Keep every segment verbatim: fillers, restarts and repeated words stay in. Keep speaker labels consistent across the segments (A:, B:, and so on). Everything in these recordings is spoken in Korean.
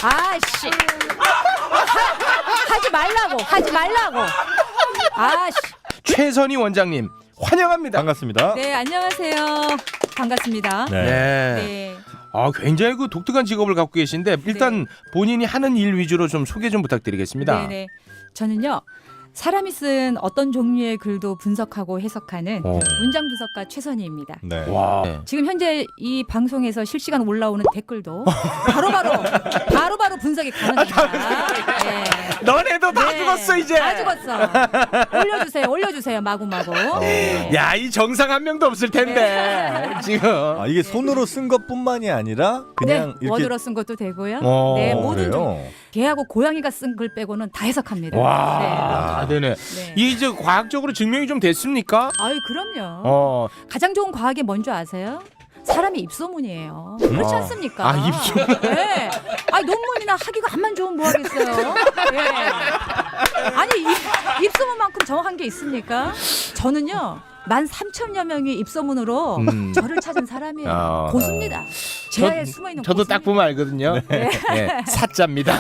A: 아씨. 하지 말라고. 하지 말라고. 아씨.
B: 최선희 원장님 환영합니다.
C: 반갑습니다.
A: 네, 안녕하세요. 반갑습니다.
C: 네.
B: 네.
A: 네.
B: 아, 굉장히 그 독특한 직업을 갖고 계신데 일단 본인이 하는 일 위주로 좀 소개 좀 부탁드리겠습니다.
A: 네네. 저는요. 사람이 쓴 어떤 종류의 글도 분석하고 해석하는
B: 어.
A: 문장 분석가 최선희입니다.
C: 네.
B: 와. 네.
A: 지금 현재 이 방송에서 실시간 올라오는 댓글도 바로바로 바로바로 분석이 가능합니다. 네.
B: 너네도 다
A: 네.
B: 죽었어 이제.
A: 다 죽었어. 올려주세요. 올려주세요. 마구마구. 네.
B: 야, 이 정상 한 명도 없을 텐데 지금.
C: 아, 이게 손으로 쓴 것뿐만이 아니라 그냥
A: 네,
C: 이렇게
A: 원으로 쓴 것도 되고요.
B: 어,
A: 네, 모든 종
C: 그래요?
A: 개하고 고양이가 쓴 글 빼고는 다 해석합니다.
B: 와,
A: 네.
B: 다 되네.
A: 네.
B: 이게 이제 과학적으로 증명이 좀 됐습니까?
A: 아유, 그럼요.
B: 어.
A: 가장 좋은 과학이 뭔지 아세요? 사람의 입소문이에요. 그렇지
B: 어.
A: 않습니까?
B: 아, 입소문.
A: 네. 아니, 논문이나 학위가 한만 좋으면 뭐 하겠어요? 네. 아니, 입, 입소문만큼 정확한 게 있습니까? 저는요. 만 삼천여 명의 입소문으로
B: 음.
A: 저를 찾은 사람이에요.
B: 아.
A: 고수입니다. 제아에 숨어 있는
B: 저도 딱 보면 알거든요. 네. 네, 사자입니다.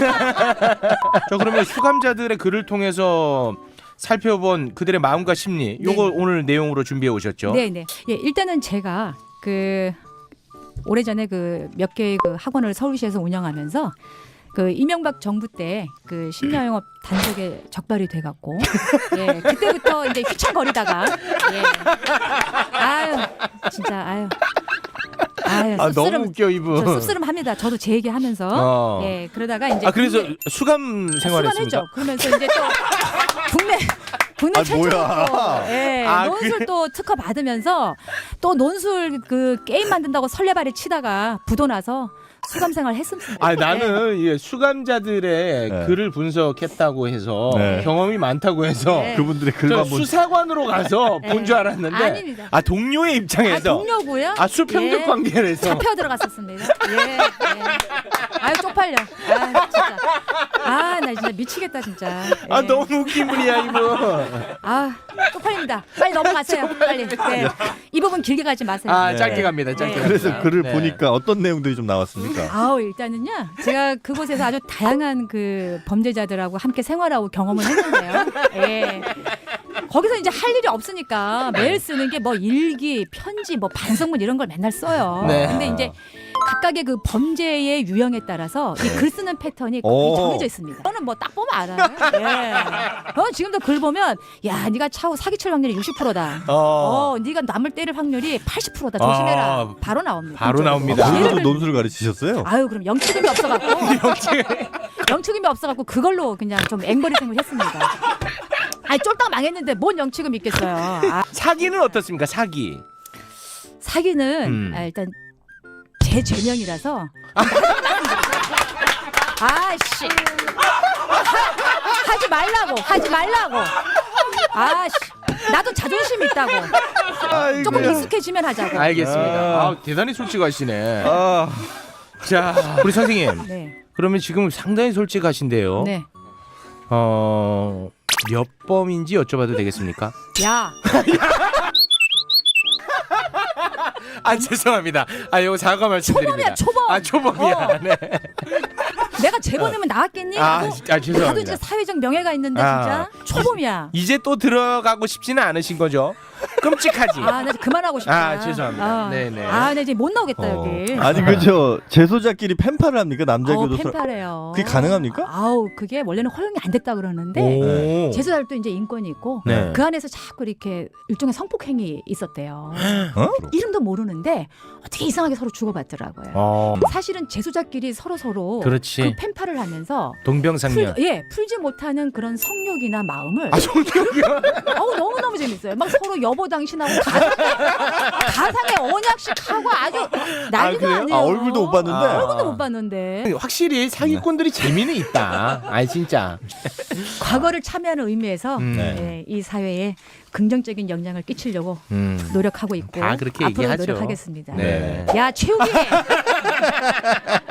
B: 저 그러면 수감자들의 글을 통해서 살펴본 그들의 마음과 심리, 요거
A: 네.
B: 오늘 내용으로 준비해 오셨죠?
A: 네네. 예, 일단은 제가 그 오래전에 그 몇 개의 그 학원을 서울시에서 운영하면서 그 이명박 정부 때 그 심야영업 단속에 적발이 돼갖고 예 그때부터 이제 휘청거리다가 예 아유 진짜 아유 아유
B: 아,
A: 씁쓸름,
B: 너무 웃겨 이분.
A: 저 씁쓸함합니다. 저도 제 얘기하면서
B: 어.
A: 예 그러다가 이제
B: 아, 그래서
A: 국내-
B: 수감 생활했습니까?
A: 수감했죠. 그러면서 이제 또 국내 국내
C: 아,
A: 최초로
C: 뭐야.
A: 예,
B: 아,
A: 논술
B: 그-
A: 또 특허 받으면서 또 논술 그 게임 만든다고 설레발에 치다가 부도 나서 수감 생활 했습니다.
B: 아, 나는 이 수감자들의
C: 네.
B: 글을 분석했다고 해서
C: 네.
B: 경험이 많다고 해서
A: 네.
C: 그분들의
B: 저
C: 글만 본
B: 수사관으로 가서
A: 네.
B: 본 줄 알았는데
A: 아닙니다.
B: 아, 동료의
A: 아,
B: 입장에서
A: 동료고요.
B: 아, 수평적
A: 예.
B: 관계에서
A: 잡혀 들어갔었습니다. 예, 예. 아유 쪽팔려. 아 진짜. 아 나 진짜 미치겠다 진짜.
B: 아,
A: 예.
B: 너무 웃긴 분이야 이분.
A: 아 쪽팔립니다. 빨리 넘어가세요. 빨리. 네. 이 부분 길게 가지 마세요.
B: 아,
C: 네.
B: 짧게 갑니다. 짧게.
A: 네.
C: 그래서
B: 갑니다.
C: 글을
B: 네.
C: 보니까 어떤 내용들이 좀 나왔습니까?
A: 아우 일단은요 제가 그곳에서 아주 다양한 그 범죄자들하고 함께 생활하고 경험을 했는데요. 예. 거기서 이제 할 일이 없으니까 매일 쓰는 게 뭐 일기, 편지, 뭐 반성문 이런 걸 맨날 써요.
B: 네.
A: 근데 이제 각각의 그 범죄의 유형에 따라서 이 글 쓰는 패턴이 거의
C: 오.
A: 정해져 있습니다. 저는 뭐 딱 보면 알아요. 예. 어, 지금도 글 보면 야, 네가 차후 사기칠 확률이 육십 퍼센트다.
B: 어.
A: 어, 네가 남을 때릴 확률이 팔십 퍼센트다. 조심해라.
B: 아.
A: 바로 나옵니다.
B: 바로
A: 그쪽으로.
B: 나옵니다.
A: 예를
C: 거기서도
A: 들-
C: 논술을 가르치셨어요?
A: 아유 그럼 영축임이 없어갖고 영축임이 없어갖고 그걸로 그냥 좀 앵벌이 생을 했습니다. 아니 쫄딱 망했는데 뭔 영축임 있겠어요. 아,
B: 사기는 어떻습니까? 사기.
A: 사기는
B: 음.
A: 아, 일단 제 죄명이라서 아씨 하지 말라고 하지 말라고 아씨 나도 자존심 있다고
C: 아이고.
A: 조금 익숙해지면 하자고.
B: 알겠습니다.
C: 아.
B: 아, 대단히 솔직하시네.
C: 아,
B: 자, 우리 선생님.
A: 네,
B: 그러면 지금 상당히 솔직하신데요.
A: 네.
B: 어, 몇 범인지 여쭤봐도 되겠습니까?
A: 야,
B: 아, 죄송합니다. 아, 이거 사과 말씀드립니다.
A: 초범이야, 초범.
B: 아, 초범이야.
A: 어.
B: 네.
A: 내가 죄범이면 나왔겠니?
B: 아,
A: 하고
B: 아, 죄송합니다.
A: 나도 이제 사회적 명예가 있는데
B: 아.
A: 진짜 초범이야.
B: 이제 또 들어가고 싶지는 않으신 거죠? 끔찍하지.
A: 아, 나 이제 그만하고 싶다.
B: 아, 죄송합니다. 네네.
A: 아, 나 이제 못 나오겠다
C: 어.
A: 여기.
C: 아니 그저 재소자끼리 팬파를 합니까? 남자
A: 아우,
C: 교도소?
A: 펜팔해요.
C: 그게 가능합니까?
A: 아우, 그게 원래는 허용이 안 됐다 그러는데
B: 오.
A: 재수달도 이제 인권이 있고
B: 네.
A: 그 안에서 자꾸 이렇게 일종의 성폭행이 있었대요.
C: 어?
A: 이름도 모르는데 어떻게 이상하게 서로 주고받더라고요.
B: 어,
A: 사실은 재수자끼리 서로 서로
B: 그렇지.
A: 그 펜팔을 하면서
B: 동병상련.
A: 풀, 예, 풀지 못하는 그런 성욕이나 마음을
B: 아, 성격이야.
A: 어우 너무 너무 재밌어요. 막 서로 여보 당신하고 가상의, 가상의 언약식 하고 아주 난리가
B: 그래요?
A: 아니에요.
C: 아, 얼굴도 못 봤는데?
B: 아.
A: 얼굴도 못 봤는데
B: 확실히 사기꾼들이 재미는 있다. 아니, 진짜.
A: 과거를 참여하는 의미에서
B: 음.
C: 네.
A: 예, 이 사회에 긍정적인 영향을 끼치려고
B: 음.
A: 노력하고 있고
B: 다 그렇게
A: 앞으로
B: 얘기하죠.
A: 노력하겠습니다.
B: 네.
A: 야 최욱이